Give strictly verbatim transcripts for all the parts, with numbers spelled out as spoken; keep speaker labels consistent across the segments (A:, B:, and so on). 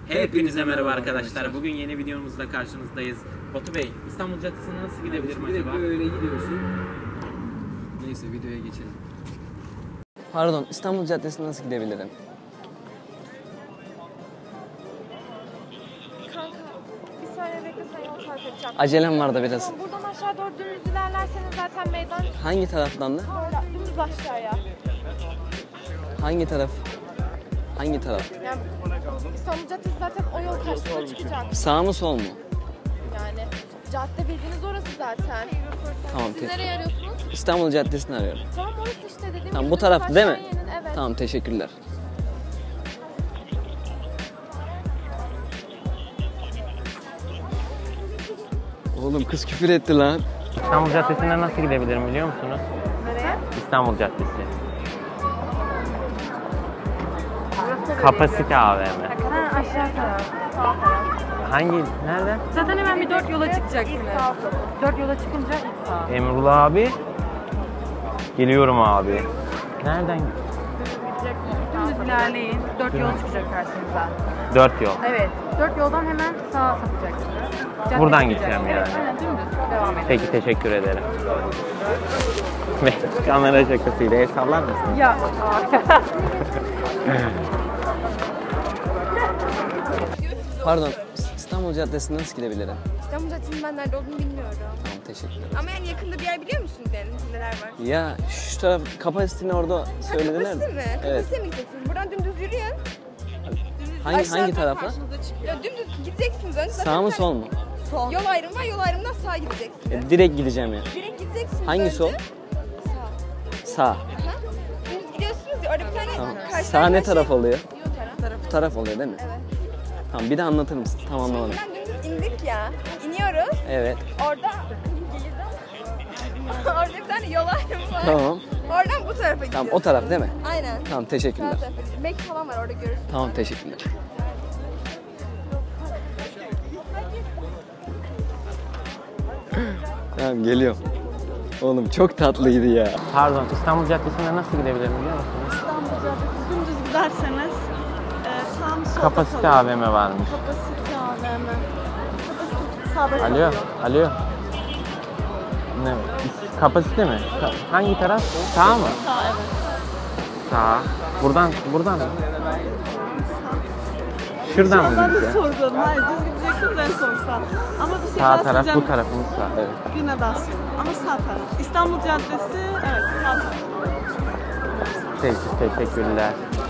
A: Hepinize merhaba arkadaşlar. Bugün yeni videomuzda karşınızdayız. Batu Bey, İstanbul Caddesi'ne nasıl gidebilirim acaba?
B: Böyle gidiyorsun. Neyse videoya geçelim.
C: Pardon, İstanbul Caddesi'ne nasıl gidebilirim?
D: Kanka, bir saniye beklesen yol tarif edeceğim.
C: Acelem var da biraz.
D: Buradan aşağı doğru dümdüz ilerlerseniz zaten meydan...
C: Hangi taraftan da?
D: Böyle dümdüz aşağıya.
C: Hangi taraf? Hangi taraf?
D: Yani İstanbul Caddesi zaten o yol karşısına çıkacak.
C: Sağ mı sol mu?
D: Yani cadde bildiğiniz orası zaten.
C: Tamam.
D: Siz nereye arıyorsunuz?
C: İstanbul Caddesi'ni arıyorum.
D: Tamam orası işte dediğim
C: Tamam,
D: gibi
C: bu taraf
D: dümdüz
C: değil mi?
D: aşağıya inin, evet.
C: Tamam, teşekkürler. Oğlum kız küfür etti lan.
A: İstanbul Caddesi'ne nasıl gidebilirim biliyor musunuz?
D: Nereye?
A: İstanbul Caddesi. Kapasite A V M.
D: Ha, aşağı taraf. Sağ taraf.
A: Hangi? Nerede?
D: Zaten hemen bir dört yola çıkacaksınız. Dört yola çıkınca ilk sağ.
A: Emrullah abi. Geliyorum abi. Nereden?
D: Dümdüz ilerleyin. Dört yol çıkacak karşınıza.
A: Dört yol.
D: Evet. Dört yoldan hemen sağa sapacaksınız. Cadde
A: Buradan
D: çıkacak.
A: gideceğim
D: Evet,
A: yani.
D: aynen dümdüz. Devam edin.
A: Peki, teşekkür ederim. Ve kamera şakasıyla el sallar mısın?
D: Ya.
C: Pardon, İstanbul Caddesi'ne nasıl gidebilirim?
E: İstanbul Caddesi'nin ben nerede olduğunu bilmiyorum.
C: Tamam, teşekkürler.
E: Ama yani yakında bir yer biliyor musunuz yani neler var?
C: Ya şu taraf kapasitini orada söylediler.
E: Kapasite mi?
C: Evet.
E: Kapasite mi gideceksiniz? Buradan dümdüz yürüyün.
C: Hangi
E: Aşağıdan
C: hangi tarafa?
E: Ya dümdüz gideceksiniz. Önce
C: Sağ mı sol mu?
E: Sol. Yol ayrımı var. Yol ayrımından sağa gideceksiniz.
C: E, direkt gideceğim ya.
E: Direkt gideceksiniz
C: Hangi
E: önce.
C: sol?
E: Sağ.
C: Sağ.
E: Ha? Dümdüz gidiyorsunuz ya orada bir tane
C: Tamam.
E: karşıdan
C: Sağ ne
E: karşıya-
C: taraf oluyor?
E: Bu taraf.
C: Bu taraf oluyor değil mi?
E: Evet.
C: Tamam, bir de anlatır mısın? Tamam, anladım.
E: Buradan dümdüz indik ya. İniyoruz.
C: Evet.
E: Orada orada bir tane yol ayrımı var.
C: Tamam.
E: Oradan bu tarafa gidiyorsunuz.
C: Tamam, o taraf değil mi?
E: Aynen.
C: Tamam,
E: Sağ
C: teşekkürler.
E: tarafa. Mek falan var orada görürsünüz.
C: Tamam, teşekkürler. Tamam, geliyorum. Oğlum çok tatlıydı ya.
A: Pardon, İstanbul Caddesi'ne nasıl gidebilirim biliyor musunuz?
F: İstanbul Caddesi dümdüz giderseniz e, tam solda
A: Kapasite
F: kalıyor.
A: A V M varmış.
F: Kapasite A V M. Kapasite sağda
A: Alo,
F: kalıyor.
A: alo. Ne? Kapasite mi? Ka- Hangi taraf? Sağ mı?
F: Sağ, evet.
A: Sağ. Buradan, buradan mı? Şuradan mı
F: Ben de
A: gideceğim?
F: sordum. Hayır, düz gideceksiniz en son sağ. Ama bir şey
A: Sağ
F: daha
A: taraf,
F: söyleyeceğim.
A: bu tarafımız sağ. Evet.
F: Yine daha sonra. Ama sağ taraf. İstanbul Caddesi, evet sağ taraf.
A: Peki, teşekkürler.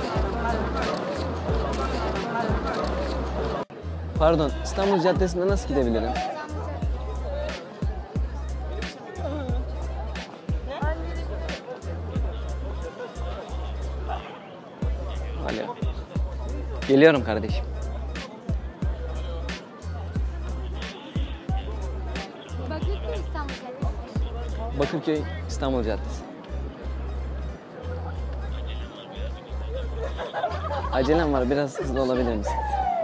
C: Pardon, İstanbul Caddesi'ne nasıl gidebilirim? Alo. Geliyorum kardeşim.
G: Bakırköy İstanbul Caddesi.
C: Bakırköy İstanbul Caddesi. Acelem var, biraz hızlı olabilir misin?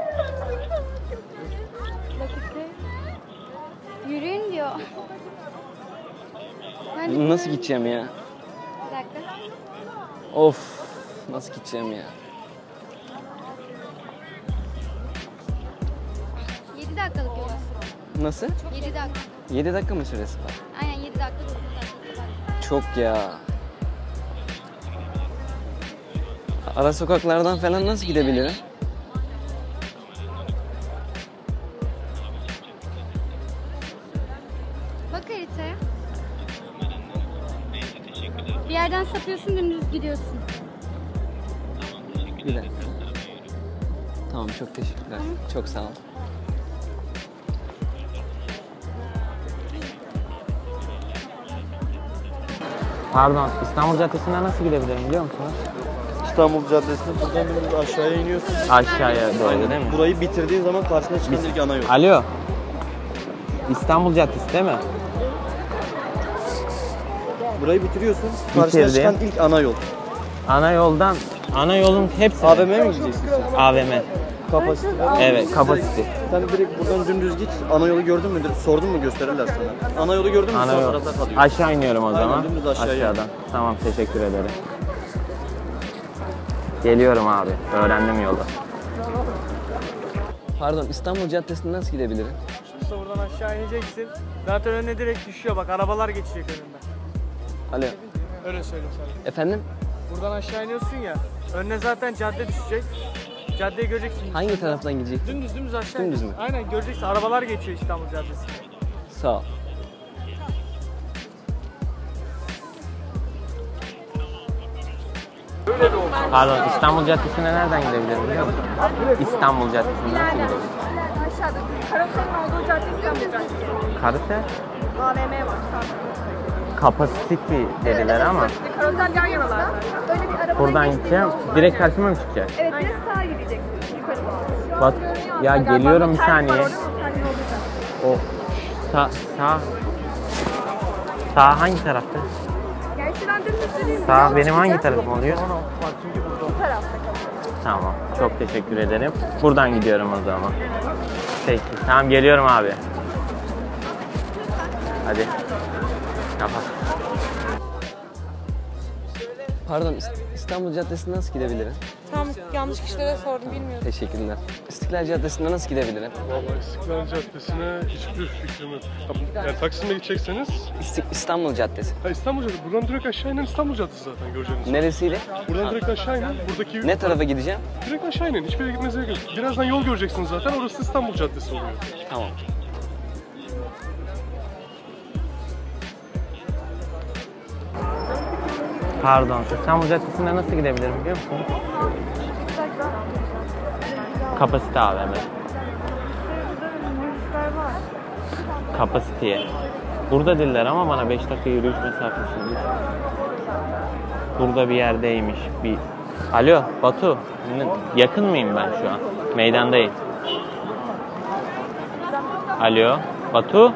G: Bakırköy. Yürüyün diyor. Ben
C: Nasıl gideceğim ya?
G: Bir dakika.
C: Of, nasıl gideceğim ya?
G: yedi dakikalık yol aslında.
C: Nasıl?
G: yedi dakika.
C: yedi dakika mı süresi var?
G: Aynen yedi dakika dokuz dakika var.
C: Çok ya. Ara sokaklardan falan nasıl gidebilirim?
G: Bak haritaya. Bir yerden sapıyorsun dümdüz gidiyorsun.
C: Bir dakika. Tamam, çok teşekkürler. Çok sağ ol.
A: Pardon, İstanbul Caddesi'ne nasıl gidebilirim biliyor musunuz?
H: İstanbul Caddesi'ne buradan bir aşağıya iniyorsun.
A: Aşağıya doğru değil mi?
H: Burayı bitirdiğin zaman karşına çıkan ilk ana yol.
A: Alo. İstanbul Caddesi değil mi?
H: Burayı bitiriyorsun. Karşına
A: Bitirdim.
H: çıkan ilk ana yol.
A: Ana yoldan, ana yolun hepsi.
H: A V M'ye mi gideceksin sen?
A: A V M.
H: Kapasite.
A: Evet, kapasite.
H: Sen direkt buradan dümdüz git. Ana yolu gördün mü? Sordun mu gösterirler sana. Ana yolu gördün mü?
A: Ana
H: Sağ
A: yol.
H: tarafta kalıyor.
A: Aşağı iniyorum o
H: Aynen,
A: zaman.
H: dümdüz aşağıya.
A: Aşağıdan. Tamam, teşekkür ederim. Geliyorum abi. Öğrendim yolu.
C: Pardon, İstanbul Caddesi'ne nasıl gidebilirim?
I: İşte buradan aşağı ineceksin. Zaten önüne direkt düşüyor bak, arabalar geçecek önünden.
C: Alo.
I: Öyle söyleyeyim sana.
C: Efendim?
I: Buradan aşağı iniyorsun ya, önüne zaten cadde düşecek. Caddeyi göreceksin.
C: Hangi taraftan gidecektim?
I: Dümdüz dümdüz aşağı
C: Dümdüz mü?
I: ineceksin. Aynen göreceksin, arabalar geçiyor İstanbul Caddesi'nde.
C: Sağ ol.
A: Pardon, İstanbul Caddesi'ne nereden gidebilirim biliyor musun? İstanbul Caddesi'ne nasıl gidebilirim?
E: Aşağıda. Karosenin olduğu cadde İstanbul Caddesi.
A: Karate?
E: A V M var sağda.
A: Capacity dediler ama
E: Karosel yan yanalar. Öyle bir araba
A: buradan gideceğim. Direkt karşıma mı çıkacak?
E: Evet, direkt sağa gideceksin. Yukarı doğru.
A: Bak ya geliyorum bir saniye. O sağ sağ sağ hangi tarafta?
E: Yani şuradan dümdüz yürüyeyim.
A: Sağ benim hangi tarafım oluyor?
E: Bu tarafta kalıyor.
A: Tamam. Çok teşekkür ederim. Buradan gidiyorum o zaman. Peki. Tamam geliyorum abi. Hadi. Kapat.
C: Pardon, İst- İstanbul Caddesi'ne nasıl gidebilirim?
F: Tam yanlış kişilere sordum, bilmiyorum.
C: Teşekkürler. İstiklal Caddesi'ne nasıl gidebilirim?
J: Vallahi İstiklal Caddesi'ne hiçbir fikrim yok. Yani Taksim'e gidecekseniz,
C: İstik- İstanbul Caddesi.
J: ha İstanbul Caddesi. Buradan direkt aşağı inen İstanbul Caddesi zaten göreceğiniz.
C: Neresiyle?
J: Buradan direkt aşağı inin. Buradaki
C: Ne tarafa gideceğim?
J: direkt aşağı inin. Hiçbir yere gitmenize gerek yok. Birazdan yol göreceksiniz zaten. Orası İstanbul Caddesi oluyor.
C: Tamam.
A: Pardon. İstanbul Caddesi'ne nasıl gidebilirim biliyor musun? Kapasite A V M. Kapasiteye. Burada diller ama bana beş dakika yürüyüş mesafesinde. Burada bir yerdeymiş. Bir. Alo Batu. Yakın mıyım ben şu an? Meydandayım. Alo Batu.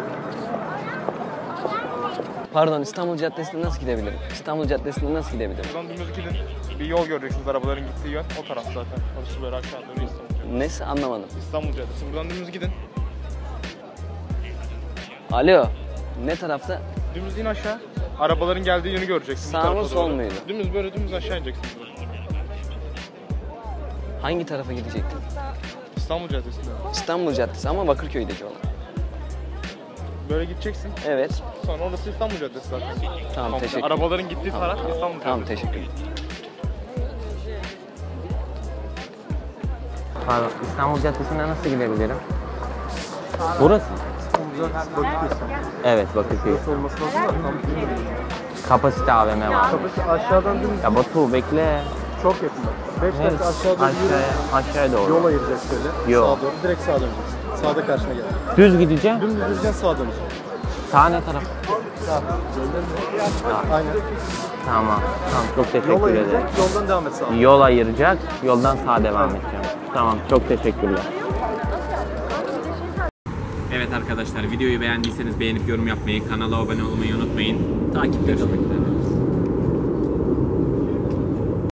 C: Pardon, İstanbul Caddesi'ne nasıl gidebilirim? İstanbul Caddesi'ne nasıl gidebilirim?
K: Buradan dümdüz gidin. Bir yol göreceksiniz, arabaların gittiği yön. O taraf zaten. Orası böyle aşağı doğru İstanbul Caddesi.
C: Nesi anlamadım.
K: İstanbul Caddesi. Buradan dümdüz gidin.
C: Alo. Ne tarafta?
K: Dümdüz in aşağı. Arabaların geldiği yönü göreceksiniz. bu
C: Sağ mı,
K: tarafa
C: sol
K: doğru.
C: muydu?
K: Dümdüz böyle dümdüz aşağı ineceksiniz.
C: Hangi tarafa gidecektim?
K: İstanbul Caddesi'nde.
C: İstanbul Caddesi ama Bakırköy'deki olan.
K: Böyle gideceksin.
C: Evet.
K: Sonra orası İstanbul Caddesi zaten.
C: Tamam,
K: Komple.
C: teşekkür.
K: Arabaların gittiği
C: Tamam.
K: taraf İstanbul Caddesi.
C: Tamam, teşekkür.
A: Pardon. İstanbul Caddesi'ne nasıl gidebilirim? Burası mı? Evet Bakırköy.
H: Olması lazım da tam
A: Kapasite A V M var.
H: Kapısı aşağıdan dümdüz
A: Ya Batu bekle.
H: çok yakında. beş
A: Evet,
H: dakika aşağı doğru yürü.
A: aşağıya, aşağıya doğru.
H: Yol ayıracak şöyle.
A: Yo.
H: Sağa doğru. Direkt sağa döneceksin. Sağda karşına gel.
A: Düz gideceğim.
H: Dümdüz düzeceksin, sağa döneceksin.
A: Sağ ne taraf?
H: Aynen.
A: Tamam. Tamam çok
H: Yol
A: teşekkür ederim.
H: ayıracak, yoldan devam et sağa.
A: Yol ayıracak, yoldan sağa devam edeceğim. Tamam, çok teşekkürler. Evet arkadaşlar, videoyu beğendiyseniz beğenip yorum yapmayı, kanala abone olmayı unutmayın. Takipte kalın.